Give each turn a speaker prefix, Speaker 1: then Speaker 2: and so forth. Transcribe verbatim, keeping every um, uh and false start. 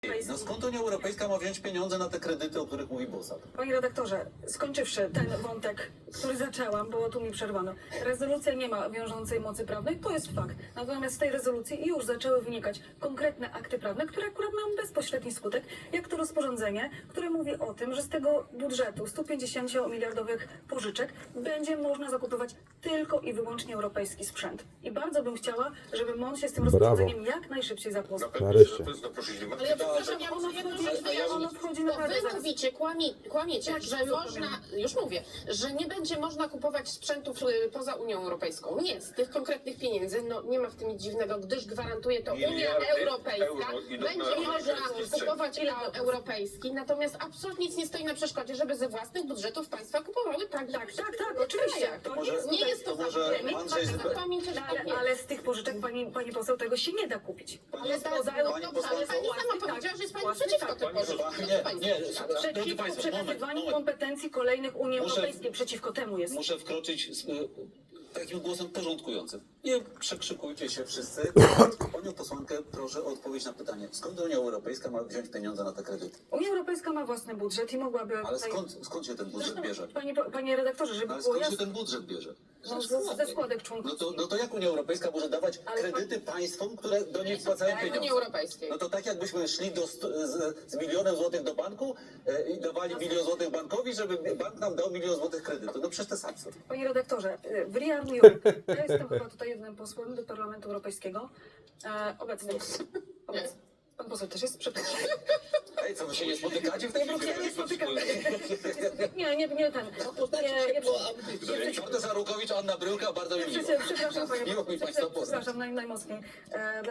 Speaker 1: No skąd Unia Europejska ma wziąć pieniądze na te kredyty, o których mówi Bosak?
Speaker 2: Panie redaktorze, skończywszy ten wątek, który zaczęłam, bo tu mi przerwano. Rezolucja nie ma wiążącej mocy prawnej, to jest fakt. Natomiast z tej rezolucji już zaczęły wynikać konkretne akty prawne, które akurat mają bezpośredni skutek, jak to rozporządzenie, które mówi o tym, że z tego budżetu stu pięćdziesięciu miliardowych pożyczek będzie można zakupywać tylko i wyłącznie europejski sprzęt. I bardzo bym chciała, żeby M O N się z tym
Speaker 3: Brawo.
Speaker 2: rozporządzeniem jak najszybciej zapoznał.
Speaker 3: Nareszcie.
Speaker 4: Ale ja przepraszam, ja
Speaker 2: Ono
Speaker 4: muszę jedną
Speaker 2: wchodzi,
Speaker 4: rzecz wyjaśnić.
Speaker 2: ono wchodzi
Speaker 4: Bo
Speaker 2: naprawdę
Speaker 4: wy
Speaker 2: zaraz.
Speaker 4: mówicie, kłamie, kłamiecie,
Speaker 2: Jak
Speaker 4: że
Speaker 2: to
Speaker 4: można, już mówię, że nie będzie można kupować sprzętów y, poza Unią Europejską. Nie, z tych konkretnych pieniędzy no, nie ma w tym nic dziwnego, gdyż gwarantuje to Unia
Speaker 5: Miliardy
Speaker 4: Europejska.
Speaker 5: euro idą
Speaker 4: Będzie
Speaker 5: na
Speaker 4: można
Speaker 5: sprzęt.
Speaker 4: kupować eu- europejski, natomiast absolutnie nic nie stoi na przeszkodzie, żeby ze własnych budżetów państwa kupowały tak,
Speaker 2: Tak, tak, tak, oczywiście.
Speaker 4: To
Speaker 1: może-
Speaker 4: nie jest, nie jest to,
Speaker 1: to może
Speaker 4: zabronione,
Speaker 1: Andrzej
Speaker 4: tak,
Speaker 1: Zbyk-
Speaker 4: zapomnijcie, że
Speaker 2: Ale,
Speaker 4: tak nie.
Speaker 2: ale z tych pożyczek, pani, pani poseł, tego się nie da kupić.
Speaker 4: Ale
Speaker 2: Jest
Speaker 4: da-
Speaker 2: poza
Speaker 4: no
Speaker 1: pani
Speaker 4: dobrze, ale
Speaker 1: posłanko-
Speaker 4: pani sama
Speaker 2: tak,
Speaker 4: powiedziała, że jest pani
Speaker 2: własny
Speaker 4: przeciwko
Speaker 2: tak.
Speaker 4: tym
Speaker 1: Pani
Speaker 4: pożyczkom.
Speaker 1: chyba-
Speaker 4: Co
Speaker 1: nie,
Speaker 4: pani
Speaker 1: nie,
Speaker 4: powiedziała?
Speaker 1: Drodzy
Speaker 2: Przeciwko
Speaker 1: państwo, moment,
Speaker 2: przekazywaniu
Speaker 1: moment.
Speaker 2: kompetencji kolejnych Unii
Speaker 1: Muszę-
Speaker 2: Europejskiej. Przeciwko temu jest.
Speaker 1: Muszę wkroczyć z y, takim głosem porządkującym. Nie przekrzykujcie się wszyscy. Panią posłankę proszę o odpowiedź na pytanie. Skąd Unia Europejska ma wziąć pieniądze na te kredyty?
Speaker 2: Unia Europejska ma własny budżet i mogłaby...
Speaker 1: Ale
Speaker 2: tutaj-
Speaker 1: skąd, skąd się ten budżet
Speaker 2: Zresztą,
Speaker 1: bierze?
Speaker 2: Panie, panie redaktorze, żeby
Speaker 1: Ale
Speaker 2: było
Speaker 1: skąd się
Speaker 2: jasne,
Speaker 1: ten budżet bierze?
Speaker 2: no, ze, ze składek
Speaker 1: No
Speaker 2: członkowskich.
Speaker 1: to, no to jak Unia Europejska może dawać
Speaker 2: Ale
Speaker 1: kredyty państwom, które do niej wpłacają
Speaker 4: Unii
Speaker 1: pieniądze?
Speaker 4: Europejskiej.
Speaker 1: No to tak jakbyśmy szli do, st- z, z milionem złotych do banku e, i dawali milion złotych bankowi, żeby bank nam dał milion złotych kredytu. No przecież to jest absurd.
Speaker 2: Panie redaktorze, y, w Ria New York, ja jestem chyba tutaj jednym posłem do Parlamentu Europejskiego, e, obecnym. obecnym. Pan poseł też jest, przepraszam.
Speaker 1: Ej, co wy się nie spotykacie w tej Brukseli?
Speaker 2: Nie spotykamy. Nie, nie, nie ten. Nie, nie, nie,
Speaker 1: Piotr Żarukowicz, Anna Bryłka, bardzo mi miło.
Speaker 2: Przepraszam, panie
Speaker 1: Miło mi państwa poznać.
Speaker 2: Przepraszam naj, najmocniej. E,